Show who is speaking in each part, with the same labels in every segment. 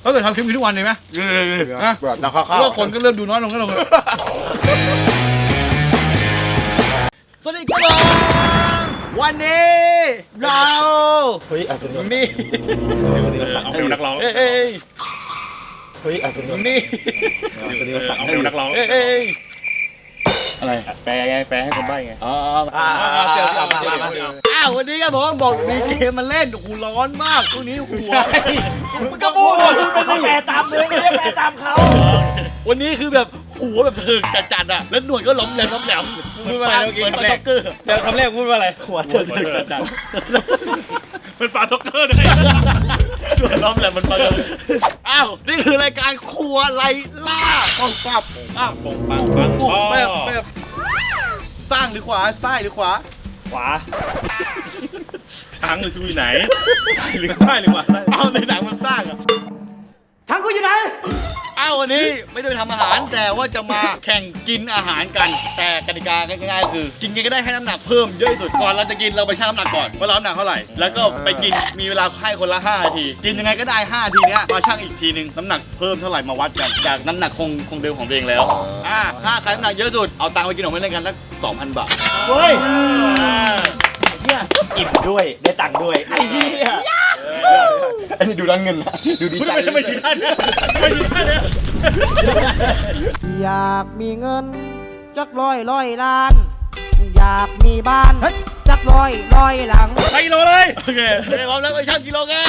Speaker 1: ก็เกิดทำคลิปนี้ทุกวันเลยไหมนะเพราะว่าคนก็เริ่มดูน้อยลงเลยสวัสดีครับวันนี้เรามี
Speaker 2: เอาเป็นนักร้อง
Speaker 1: นี่
Speaker 2: เอาเป็นนักร้องอะไรแปลไงแปลให้คนใบ้ไง
Speaker 1: วันนี้ครับผมบอกมีเกมมาเล่นโอ้โหร้อนมากช่วงนี้หัวมันก็พูด
Speaker 3: ไม่แปลตามเลยไม่ได้แปลตามเขา
Speaker 1: วันนี้คือแบบหัวแบบถึงจัดๆอ่ะแล้วหนวดก็ล้มแหลม
Speaker 2: พูดว่าอะไรเมื่อกี้คำแรกเดี๋ยวคำแรกพูดว่าอะไรหัวถึงจัดเป็นปลาซ็อกเกอร์ด้วย
Speaker 1: ล้อมแหลมมันปลานี่คือรายการครัวไล่ล่าปังปับแบบสร้างหรือขวาซ้ายหรือขวา
Speaker 2: ช้างหรือชูอยู่ไหนหรือซ้ายหรือขวา
Speaker 1: ในหนังมันสร้างอ่ะ
Speaker 3: ช้างกูอยู่ไหน
Speaker 1: วันนี้ไม่ได้ทำอาหารแต่ว่าจะมาแข่งกินอาหารกันแต่กติกาง่ายๆคือกินกันก็ได้ให้น้ำหนักเพิ่มเยอะที่สุดก่อนเราจะกินเราไปชั่งน้ำหนักก่อนว่าเราน้ำหนักเท่าไหร่แล้วก็ไปกินมีเวลาให้คนละ5 นาทีกินยังไงก็ได้5 นาทีนี้มาชั่งอีกทีนึงน้ำหนักเพิ่มเท่าไหร่มาวัดกันจากน้ำหนักคงเดิมของตัวเองแล้วถ้าใครน้ำหนักเยอะสุดเอาตังค์ไปกินของเล่นกันสัก 2,000 บาท
Speaker 3: เฮ้ยเนี่ยอิ่มด้วยได้ตังค์ด้วยไอ้เหี้ย
Speaker 1: อันนี้ดูด้านเงินนะดูดีใจ
Speaker 2: ไม่ดีด้านเนี่ย
Speaker 4: อยากมีเงินจักร้อยล้านอยากมีบ้านจักร้อยหลัง
Speaker 2: ไปกิโลเลย
Speaker 1: โอเคพร้อมแล้วไปชั่งกิโลกัน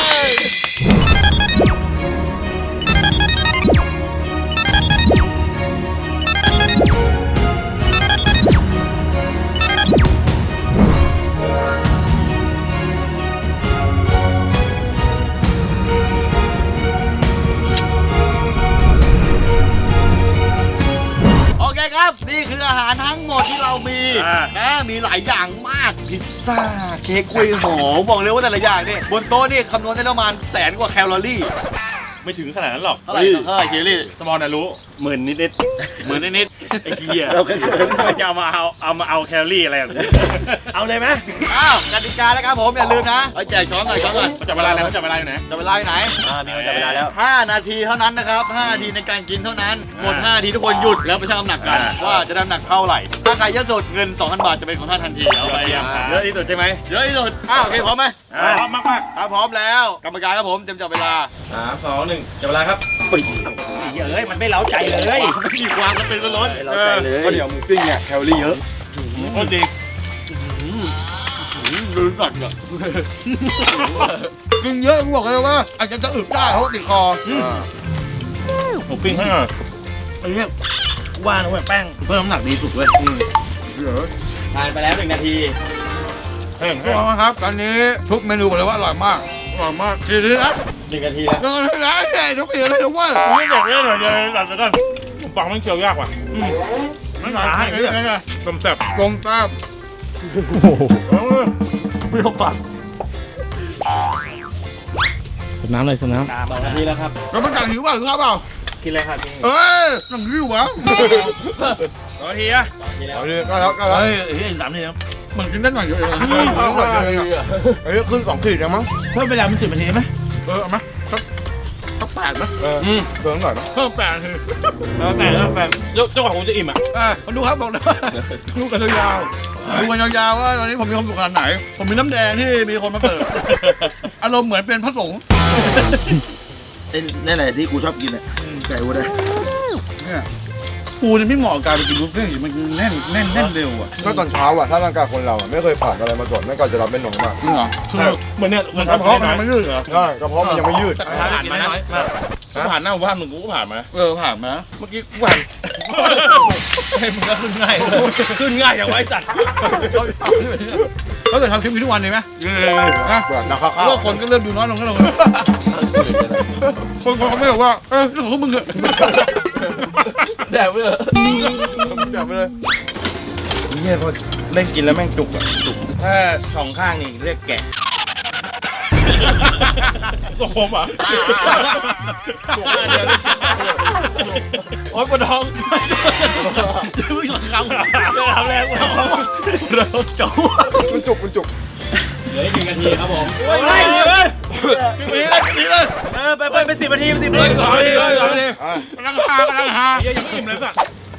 Speaker 1: ครับนี่คืออาหารทั้งหมดที่เรามีมีหลายอย่างมากพิซซ่าเค้กกล้วยหอมบอกเลยว่าแต่ละอย่างนี่บนโต๊ะนี่คำนวณได้ประมาณ100,000 กว่าแคลอรี่
Speaker 2: ไม่ถึงขนาดนั้นหรอก
Speaker 1: เท่าไหร่แคลอรี่
Speaker 2: สมอลน่ะรู้10,000 นิดไอ้เหี้ย
Speaker 1: เราก็
Speaker 2: จะเอามาเอาแคลอรี่อะไร
Speaker 3: เอาเลยไหม
Speaker 1: กติกาแล้วครับผมอย่าลืมนะแจกช้อนหน่อย
Speaker 2: จับเวลาแล้วจับเวลาอยู่ไหน
Speaker 1: จับเวลาอยู่ไหน
Speaker 3: มีคนจับเวลาแล้ว
Speaker 1: 5 นาทีเท่านั้นนะครับ5 นาทีในการกินเท่านั้นหมด5 นาทีทุกคนหยุดแล้วไปชั่งน้ำหนักกันว่าจะได้น้ำหนักเท่าไหร่ถ้าใครเยอะสุดเงิน 2,000 บาทจะเป็นของท่านทันทีเอาไป
Speaker 2: เยอะที่สุดใช่ไหม
Speaker 1: เยอะที่สุดโอเคพร้อมไหม
Speaker 2: พร้อมมาก
Speaker 1: พร้อมแล้วกรรมการครับผมเตรียมจับเวลา
Speaker 2: 3 2 1จับเวลาครับ
Speaker 3: มันไม่เล้าใจเลย
Speaker 1: ไม่มีความกระตือรือร้น
Speaker 3: ก็เดี๋ยวหมูปิ้งเนี่ยแคลอรี่เยอะ
Speaker 2: โคตรดี
Speaker 1: ลืมก่อนกินเยอะกูบอกเลยว่าอาจจะอึได้เพราะติดคอ
Speaker 2: หมูปิ้งให้หน่อย
Speaker 3: ไอ้เนี่ยว่านะเว้ยแป้งเพิ่มน้ำหนักดีสุดเว้ย
Speaker 1: ทานไปแล้ว1 นาทีครับตอนนี้ทุกเมนูบอกเลยว่าอร่อยมากทีนี้นะ
Speaker 3: 1 นาทีแล้ว
Speaker 1: ทุกอย่างเลยทุกวัน
Speaker 2: ไม่อยากเล่นหน่อยเดี๋ยวหลับไปก่อนผมฟังมันเคี้ยวยากว่ะ
Speaker 1: ไม่หนาให้
Speaker 2: ต้มแซ่บ
Speaker 1: ไม่ต้องปัด
Speaker 2: สน้ำเลยสน้
Speaker 3: ำ2 นาทีแล้วครับ
Speaker 1: แล้วมันจังหิวเปล่าครับเปล่า
Speaker 3: กินอะไรครับพี่
Speaker 1: นั่งหิววะ
Speaker 2: 2 นาทีอะ
Speaker 1: ก็แล้ว
Speaker 3: 3 นาทีครับ
Speaker 1: มันกินได้หน่อยเดียวเอง
Speaker 3: ขึ้น2 ขีดแล้วมั้งเพิ่มเวลาเป็น10 นาทีไหม
Speaker 1: เอาไหมสัก8ไหมเพิ่มหน่อยไหม
Speaker 2: เพิ่ม8 นาทีเจ้าของผมจะอิ่ม
Speaker 1: มาดูครับบอกเลยดูกันยาวว่าตอนนี้ผมมีความสุขขนาดไหนผมมีน้ำแดงที่มีคนมาเสิร์ฟอารมณ์เหมือนเป็นพระสงฆ์
Speaker 3: นี่แหละที่กูชอบกินอ่ะไก่วัวได้
Speaker 1: ปูนี่ไม่เหมาะกับการไปกินบุฟเฟ่ต์มันแน่นเร็วอ่ะ
Speaker 5: ก็ตอนเช้าอ่ะถ้าร่างกายคนเราไม่เคยผ่านอะไรมาก่อนไม่ก่อนจะรับเป็นหนองมาก
Speaker 1: จริงเหรอ
Speaker 2: เหมือนเนี่ย
Speaker 1: กระเพาะมันไม่ยืดเหรอ
Speaker 5: ใช่กระเพาะมันยังไม่ยืด
Speaker 2: ผ่านมาน้อยผ่านหน้าบ้านมึงกูก็ผ่านมา
Speaker 1: ผ่านมา
Speaker 2: เมื่อกี้กูผ่านให้มึงก็ขึ้นง่ายอย่างไว้จัด
Speaker 1: ก็เกิดทำคลิปนี้ทุกวันเลยไหมเพราะว่าคนก็เริ่มดูน้อยลงคนเขาไม่บอกว่าเรื่องของมึงอะ
Speaker 2: แดกไปเลยเนี่ยพอเล่นกินแล้วแม่งจุกถ้า2 ข้างนี่เรียกแกะสมผมอ่ะโอ๊ยปวดท้อง
Speaker 1: จะไม่หลังคำ
Speaker 2: ทำแรง
Speaker 1: เราจุก
Speaker 5: มันจุก
Speaker 3: เหลือ1 นาทีครับผม
Speaker 2: เฮ้ย
Speaker 1: นี่เลย
Speaker 3: ไปเป็น10 นาทีเป็น10 นา
Speaker 2: เฮ้ย
Speaker 3: ที
Speaker 2: ต่อดิต่อดิ
Speaker 5: อ่ะ
Speaker 1: กำลังหา
Speaker 2: เฮียยังไม่อิ่มเลยสัก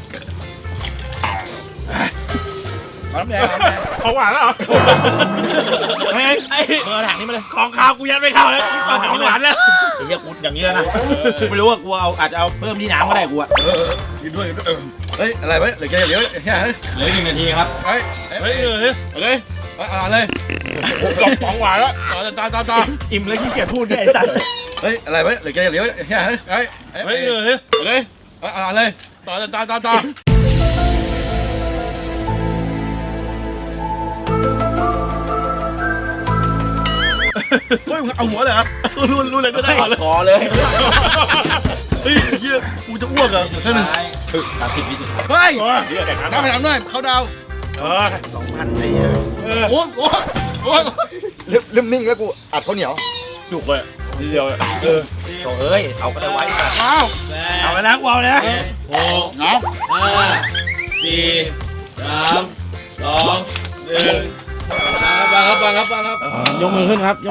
Speaker 1: น้ำแดงน้ำแดง
Speaker 2: เขาหวานแล้วเหรอเฮ้ยไอ้เบอร์ถังนี้มาเลยของข้าวกูยัดไม่เข้าแล้วต้องของหวานแล้ว
Speaker 3: ไอ้เหี้ยกูอย่างนี้แล้วนะกูไม่รู้ว่ากูอาจจะเอาเพิ่มที่น้ำก็ได้กูอะ
Speaker 1: กินด้วยเฮ้ยอะไรวะเหลือแค่เดี๋ยวเฮ้ย
Speaker 3: เหลือ1 นาทีครับ
Speaker 1: เฮ้ย
Speaker 2: เฮ้ย
Speaker 1: เลยเอาเลย
Speaker 2: ของหวานแล้วต่อ
Speaker 3: อิ่มแล้วขี้เกียจพูดด้วยไอ้สัตว์
Speaker 1: เฮ้ยอะไรวะเหลือแค่เดี๋ยวเฮ้ย
Speaker 2: เฮ้ย
Speaker 1: เลยเอาเลย
Speaker 2: ต่อ
Speaker 1: เฮ้ยเอาหัวเลยเหรอรู้เลยก็ได้เลย
Speaker 3: คอเลย
Speaker 1: เฮ้ยเฮียกูจะอ้วกอ่ะแค่นึง
Speaker 3: 30 วิสุดท้าย
Speaker 1: เฮ้ย
Speaker 2: เฮียแข่งขัน
Speaker 1: น้ำไปทำหน่อยเขาดาว
Speaker 3: 2,000ไอ้เหี้ย
Speaker 1: โอ้ย
Speaker 5: เริ่มนิ่งแล้วกูอัดข้าวเหนียว
Speaker 2: จุกเลยทีเดียว
Speaker 3: โถ่เอ้ยเอาก็ได้ไว้
Speaker 1: อ้าว
Speaker 3: เอาไปนะกูเอาเลยนะ
Speaker 1: น้ำ
Speaker 2: ฟังครับยกมือขึ้นครับ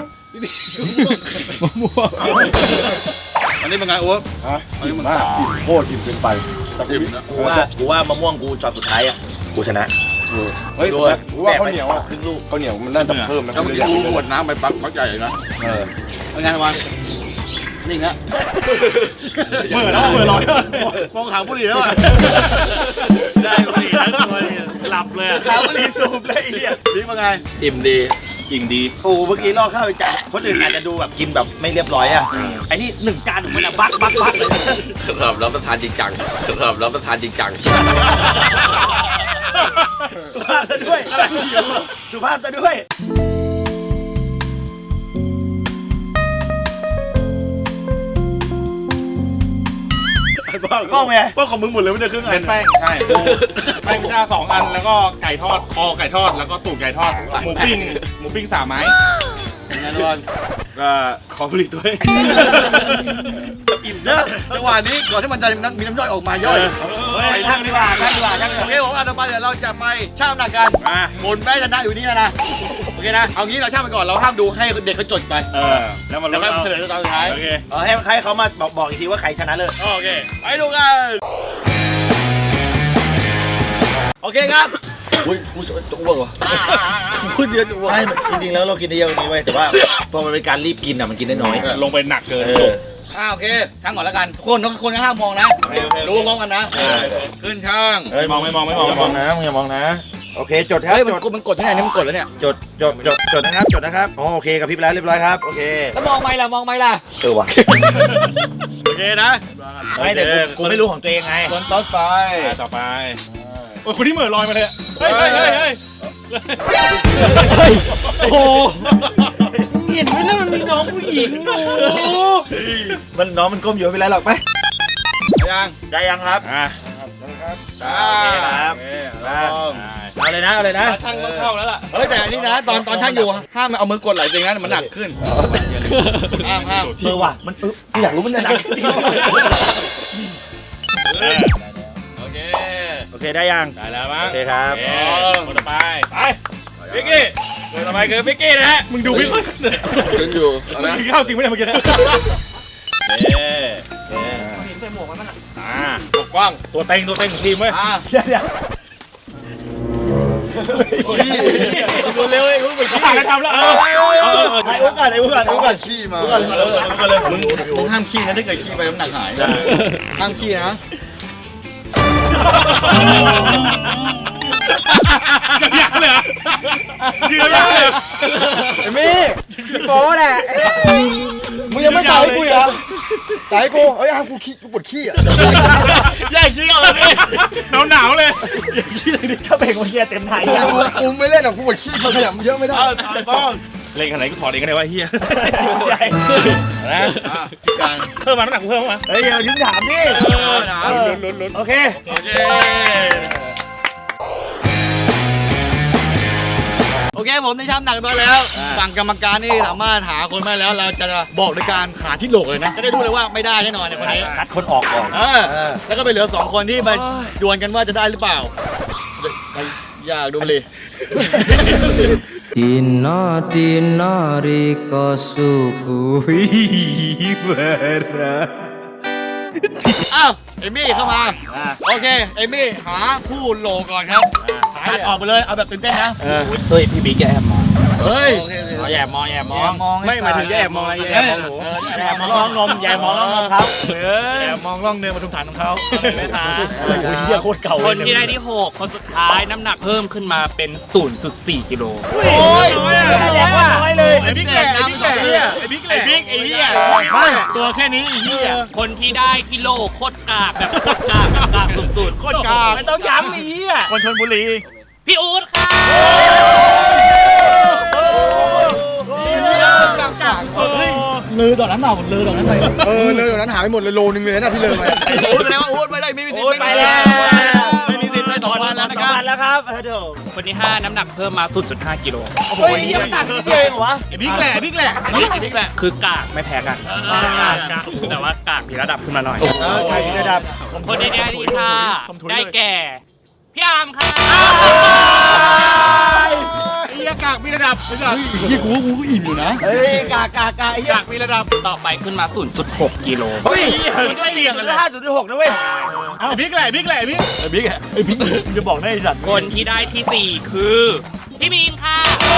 Speaker 1: อันนี้เป็นไงโอ้ย
Speaker 5: ฮะอิ่มมากอิ่มโคตรอิ่มเกินไปแต่
Speaker 1: อิ่มนะ
Speaker 3: กูว่ามะม่วงกูช็อตสุดท้ายอ่ะกูชนะ
Speaker 5: เฮ้ยแต่กูว่าข้าวเหนียวอ่ะครึ่งลูกข้าวเหนียวมันน่าจะเพิ่มนะ
Speaker 1: ถ้ามันกูหมดน้ำไปปักใหญ่เลยนะ เป็นไงวันนิ่งแล้ว
Speaker 2: เมื่อแล้วเมื่อร้อย
Speaker 1: มองหาบุหรี่แล้วอ่ะ
Speaker 2: ได้พอดีแล้วตัวหลับเลย
Speaker 3: น้ำบุหรี่สูบเลยไอ้เหี้ย
Speaker 1: บิ๊กเป็นไง
Speaker 2: อิ่มดีอิ่มดี
Speaker 3: โอ้เมื่อกี้ลอกข้าวไปจากคนอื่นอาจจะดูแบบกินแบบไม่เรียบร้อยอ่ะไอ้นี่1 จานของมันอะบักเลย
Speaker 6: สำหรับรับประทานจริงจังสำหรับรับประทานจริงจัง
Speaker 3: สุภาพซะด้วยสุภาพซะด้วยป้องไง
Speaker 1: ป้องของมึงหมดเลยไม่ได้ครึ่งอั
Speaker 2: เป็น นแป้งใช่แป้งพิซซ่า2 อันแล้วก็ไก่ทอดคอไก่ทอดแล้วก็ตูดไก่ทอดหมูปิ้ง3 ไม้
Speaker 1: แน่นอน
Speaker 2: ก็ขอผลิตด้วย
Speaker 1: อิ่มเนอะจังหวะนี้ก่อนที่มันจะมีน้ำย่อยออกมาย่อย
Speaker 3: ไปช่างดีกว่าช่างดีกว่าช่างดีก
Speaker 1: โอ
Speaker 3: ว่า
Speaker 1: เคผมต่อไปเดี๋ยวเราจะไปช่างน้ำหนักกัน
Speaker 2: มา
Speaker 1: ผลแพ้ชนะอยู่นี่แล้วนะโอเคนะเอางี้เราช่างไปก่อนเราห้ามดูให้เด็กเขาจดไป
Speaker 2: แล้วมัน
Speaker 1: แล้ว
Speaker 2: ล
Speaker 1: ก็
Speaker 2: ดเอา
Speaker 1: เฉลยตอนสุดท้าย
Speaker 2: โอเค
Speaker 3: ให้เขามาบอกอีกทีว่าใครชนะเลย
Speaker 2: โอเค
Speaker 1: ไปดูกันโอเคครับ
Speaker 3: อุ้ยกูจะอ้วกว่ะพูดเยอะจะอ้วกจริงๆแล้วเรากินได้เยอะกว่านี้ไว้แต่ว่าพอมันเป็นการรีบกินอ่ะมันกินได้น้อย
Speaker 2: ลงไปหนักเกิน
Speaker 1: โอเคช่างก่อนแล้วกันทุกคนก็ห้ามมองนะรู้พร้อมกันนะขึ้นช่าง
Speaker 3: เฮ้ย
Speaker 2: ไม่มอง
Speaker 3: อย่ามองนะมึงอย่ามองนะโอเคจดครับ
Speaker 1: เฮ้ย
Speaker 3: จด
Speaker 1: มันกดที่ไหนนี่มันกดแล้วเนี่ย
Speaker 3: จดนะครับอ๋อโอเคกับพี่ไปแล้วเรียบร้อยครับโอเค
Speaker 1: แล้วมองไม่ล่ะ
Speaker 3: ว่ะ
Speaker 1: โอเคนะ
Speaker 3: ไม่แต่กูไม่รู้ของตัวเองไง
Speaker 1: คนต่อไป
Speaker 2: ต่อไปโอ้ยคนที่เหม่อลอยมาเลยเฮ้ย
Speaker 1: โอ้โห
Speaker 2: เห็นไหมล่ะมันมีน้องผู้หญิงอยู่
Speaker 3: มันน้องมันก้มอยู่ไม่เป็นไรหรอกไป
Speaker 1: ยัง
Speaker 3: ได้ยังครับ
Speaker 2: อ่ะ
Speaker 3: โอเคครับ เอาเลยนะ
Speaker 2: ช่างต้องเข้าแล้วล่ะ
Speaker 1: เฮ้ยแต่อันนี้นะตอนช่างอยู่ห้ามเอามือกดไหลจริงนะมันหนักขึ้นห้าม
Speaker 3: ว่ะมันอยากรู้มันจะหนักจริง
Speaker 1: โอเค
Speaker 3: โอเคได้ยัง
Speaker 2: ได้แล้วมั้ง
Speaker 3: โอเคครับ
Speaker 2: คนต่อไปพิกกี้คนต่อไปคือพิกกี้นะฮะมึงดูพิกกี้
Speaker 6: ยืนอยู่เอา
Speaker 2: มึง
Speaker 6: นะ
Speaker 2: กินข้าวจริงไหมเนี่ยเมื่อกี้นะปกป้องตัวเต็งของทีมเว้ย
Speaker 3: เดี๋ยว
Speaker 2: เร็วๆมึงไปขี้กันทำแล้ว
Speaker 3: ไอ้อุ้ก่อน
Speaker 5: ขี้มา
Speaker 1: มึงห้ามขี้นะถ้าเกิดขี้ไปน้ำหนักหายห้ามขี้นะ
Speaker 2: อยากเลยยืนเลย
Speaker 5: มี่โป้แหละมึงยังไม่จ่ายกูเหรอจ่ายกูเฮ้ยห้ามกูขี้กูปวดขี้อ่ะ
Speaker 1: แย่งขี้เอาเลย
Speaker 2: หนาวเลย
Speaker 3: ถ้าเบรกมันเฮียเต็มไทย
Speaker 5: กูไม่เล่นหรอกกูปวดขี้ขยับเยอะไม่ได้
Speaker 1: ตายป้อง
Speaker 2: เล่นขนาดไหนกูถอดเองก็ได้ว่าเฮีย
Speaker 3: ใหญ่
Speaker 2: นะ
Speaker 1: การ
Speaker 2: เพิ่มมาน้ำหนักกูเพิ่มมา
Speaker 3: เฮ้ยเดี๋ยวยิ้มถามดิ
Speaker 2: ลุ้น
Speaker 3: โอเค
Speaker 1: โอเคโอเคผมได้ช่ำหนักตัวแล้วฝั่งกรรมการนี่สามารถหาคนมาแล้วเราจะบอกในการหาที่โหลกเลยนะจะได้รู้เลยว่าไม่ได้แน่นอนในวันนี้
Speaker 3: คัดคนออกก่อน
Speaker 1: แล้วก็ไปเหลือ2คนที่มาดวลกันว่าจะได้หรือเปล่าอยากดูเลย
Speaker 4: Dinari kosuku bara.
Speaker 1: อ้าวเอมี่เข้ามาโอเคเอมี่หาผู้โหลก่อนครับตัดออกไปเลยเอาแบบตื่นเต้นนะ
Speaker 2: เฮ้ยพี่บิ๊กแอบมอง
Speaker 1: เฮ้ย
Speaker 2: แอบมองไม่หมายถึงแอบมองอะไรแอบมองหนูแอบมองร่องนมแอบมองร่องนมครับแอบมองร่องเนื้อปทุมฐานของเขาไม่ทาน
Speaker 3: โอ้ยเหี้ยโคตรเก่า
Speaker 7: คนที่ได้ที่ 6 คนสุดท้ายน้ำหนักเพิ่มขึ้นมาเป็น 0.4 กิโล
Speaker 1: โอ้ย
Speaker 2: แย่กว่าน้อยเลยไอ้บิ๊กแหละไอ้บิ๊กแหละไอ้บิ๊กแหละ
Speaker 1: ไอ้บิ๊กไอ้เหี้ยตัวแค่นี้ไอ้เหี้ย
Speaker 7: คนที่ได้กิโลโคตรกากแบบโคตรกากแบบกากสุด
Speaker 1: โคตรกาก
Speaker 2: ไม่ต้องย้ำไอ้เหี้ย
Speaker 1: คนชลบุรี
Speaker 7: ๆ พี่อู๊ดค่ะ
Speaker 1: ลือดอกนั้นเปล่าลือดอกนั้นไป
Speaker 5: เลยเดี๋ยวนั้นหายไปหมดเลยโลนึงเลยนะที่เลยไป
Speaker 1: โอ้แสดงว่าอู๊ดไม่ได้ไม่มีสิทธิ์
Speaker 2: ไปแล้ว
Speaker 1: ไม่มีสิทธิ์ได้2 วันแล้วนะครับ
Speaker 2: แล้วครับเดี๋ยว
Speaker 7: คนที่ 5 น้ำหนักเพิ่มมา 0.5 กิโล
Speaker 2: เฮ้ยยังต่างกันเองเหรอวะไอ้บิ๊กแหละไอ้บิ๊กแหละ
Speaker 1: ไอ้บิ๊กแหละ
Speaker 7: คือกากไม่แพ้กันแต่ว่ากากมีระดับขึ้นมาหน่อย
Speaker 5: ใครระดับ
Speaker 7: คนที่ได้ที่ 5 ได้แก่ พี่อาร์มค่ะ
Speaker 2: ไอ้เหี้ยกากมีระดับไอ้สัส
Speaker 1: ยี่กูก็อิ่มอยู่นะ
Speaker 5: เฮ้ยกากไอ้เหี้ย
Speaker 2: กากมีระดับ
Speaker 7: ต่อไปขึ้นมา 0.6 กิโล
Speaker 2: เฮ้ยมันก็เสี่ยงกันเลย
Speaker 5: 5.6นะเว้ย
Speaker 2: ไอ้บิ๊กแหละไอ้บิ๊กแหละไอ้บิ๊ก
Speaker 1: ไอ้บิ๊กอะไอ้บิ๊กมึงจะบอกได้ไอ้สัตว์
Speaker 7: คนที่ได้ที่ 4 คือพี่บีนค่ะ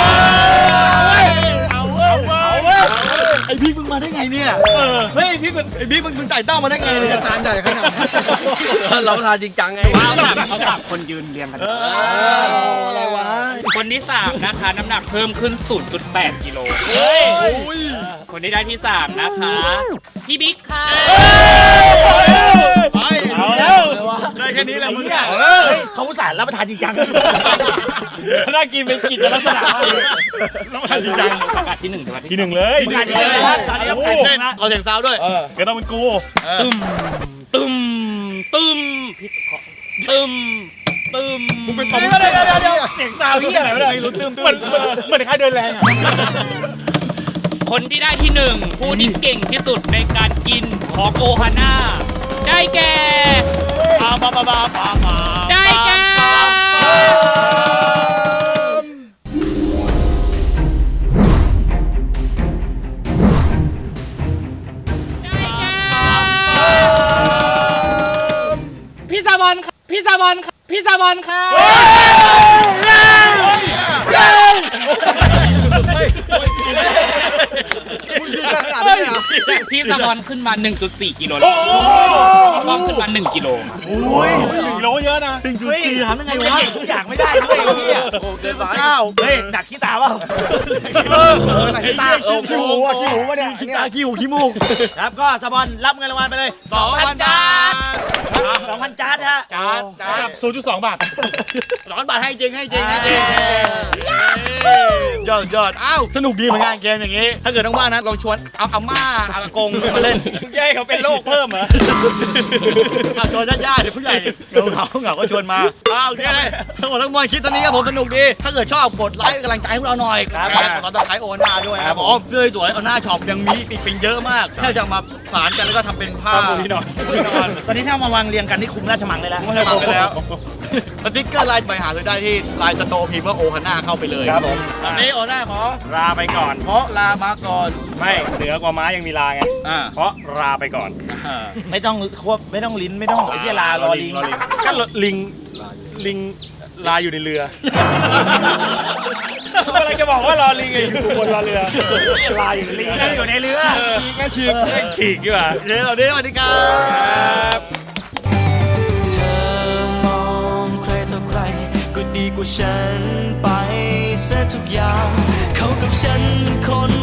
Speaker 2: เอาเว้ย
Speaker 1: ไอ้บิ๊กมึงมาได้ไงเนี่ย
Speaker 2: เฮ้ยพี่มัน
Speaker 1: ไอ้บิ๊กมึงจ่ายเต้ามาได้ไงเนี่ย
Speaker 5: จานใหญ่ขนาดนี้
Speaker 6: รับประทานจริงจังไง
Speaker 7: เขาสับคนยืนเรียงกัน
Speaker 5: อะไรวะ
Speaker 7: คนที่ 3 นะคะ น้ำหนักเพิ่มขึ้น 0.8 กิโล คนที่ได้ที่ 3 นะคะ พี่บิ๊กค่ะ
Speaker 1: ไป
Speaker 2: เอาแล้ว
Speaker 1: ได้แค่นี้แหละมึงอะ
Speaker 2: เขาอุตส่าห์รับประทานจริงจังน่ากินเป็นกิจลักษณะรับประทานจริงจัง
Speaker 7: ประกาศที่ 1ถึงวัน
Speaker 2: ที
Speaker 7: ที่
Speaker 2: หนึ่งเลย
Speaker 7: ที่หนึ่งเลย
Speaker 2: ตอนนี้
Speaker 1: โอ้
Speaker 2: ไก่
Speaker 1: เต้
Speaker 2: เต้
Speaker 1: น
Speaker 2: นนะ
Speaker 1: เอาเสียงซาวด้วย
Speaker 2: ก็ต้องเป็นกู
Speaker 7: ตึมตึมตึมพี่ขอตึมตึม
Speaker 2: มึงเป็นปอมเดี๋ยวเสียงซาวที่อะไรไม่ได้เหมือนใครเดินแรงอ่ะ
Speaker 7: คนที่ได้ที่ 1 ผู้ที่เก่งที่สุดในการกินของโอฮาน่าได้แก่ ได้แก่พี่ซาบอนค่ะพี่ซาบอนค่ะพี่ซาบอนค่ะ พี่ซาบอนขึ้นมา 1.4 กิโลแล้วก็ขึ้นมา 1 กิโล
Speaker 2: โอ้ย1 โลเยอะนะ
Speaker 1: จริงๆทำยังไงวะ
Speaker 2: ทุกอย่างไม่ได้ด้วยไอ้เหี้ย
Speaker 1: เกินไปเก้า
Speaker 2: เฮ้ยหนักขี้ตาเปล่า
Speaker 5: ไหนตาขี้หูอ่ะขี้หูวะเนี่ย
Speaker 1: ขี้ตาขี้หูขี้มูก
Speaker 2: ครับก็สปอนรับเงินรางวัลไปเลย
Speaker 1: 2,000 บาท
Speaker 2: 2,000 จานฮะ
Speaker 1: จาน
Speaker 2: 0.2 บาท
Speaker 1: 2,000 บาทให้จริงยอดอ้าวสนุกดีเหมือนกันเกมอย่างนี้ ถ้าเกิดว่างๆนะลองชวนเอาอาม่าอากงมาเล่น
Speaker 2: แย่เขาเป็นโรคเพิ่มเหรอ
Speaker 1: ชวนญาติๆเดี๋ยวผู้ใหญ่เหงาก็ชวนมาโอเคทั้งหมดทั้งมวลคลิปตอนนี้ครับผมสนุกดี ถ้าเกิดชอบกดไลค์กำลังใจให้พวกเราหน่อยกดติดตามโอน่าด้วยครับผมเสื้อสวยโอน่าช็อปยังมีปิงเยอะมากแค่จะมาสานกันแล้วก็ทำเป็นผ้า
Speaker 2: พี่หน่อยตอนนี้ถ้ามาวางเรียงกันที่คุมราชมังเลยแล้ว
Speaker 1: ไม่ใช่ฟังไปแล้วสติ๊กเกอร์ไลน์ไปหาซื้อได้ที่ไลน์สโตร์พิมพ์ว่าโอฮาน่าเข้าไปเลย
Speaker 2: ครับผม
Speaker 1: ตอนนี้โอน่าขอ
Speaker 2: ลาไปก่อน
Speaker 1: เพราะลามาก่อน
Speaker 2: ไม่เหนือกว่าม้ายังมีลาไง เพราะลาไปก่อน
Speaker 5: ไม่ต้องควบไม่ต้องลิ้นไม่ต้องไอ้ที่ลารอลิง
Speaker 2: ก็ลิงลาอยู่ในเรืออะไรจะบอกว่ารอลิงไงอยู่บนรอเรือลาอยู่ในเรืออยู่ในเรือ
Speaker 1: แม่ชีก
Speaker 2: ฉีกดีกว่า
Speaker 1: เดี๋ยวเราเดี๋ยวสวัสดีครับ
Speaker 8: เธอมองใครต่อใครก็ดีกว่าฉันไปเสียทุกอย่างเขากับฉันคน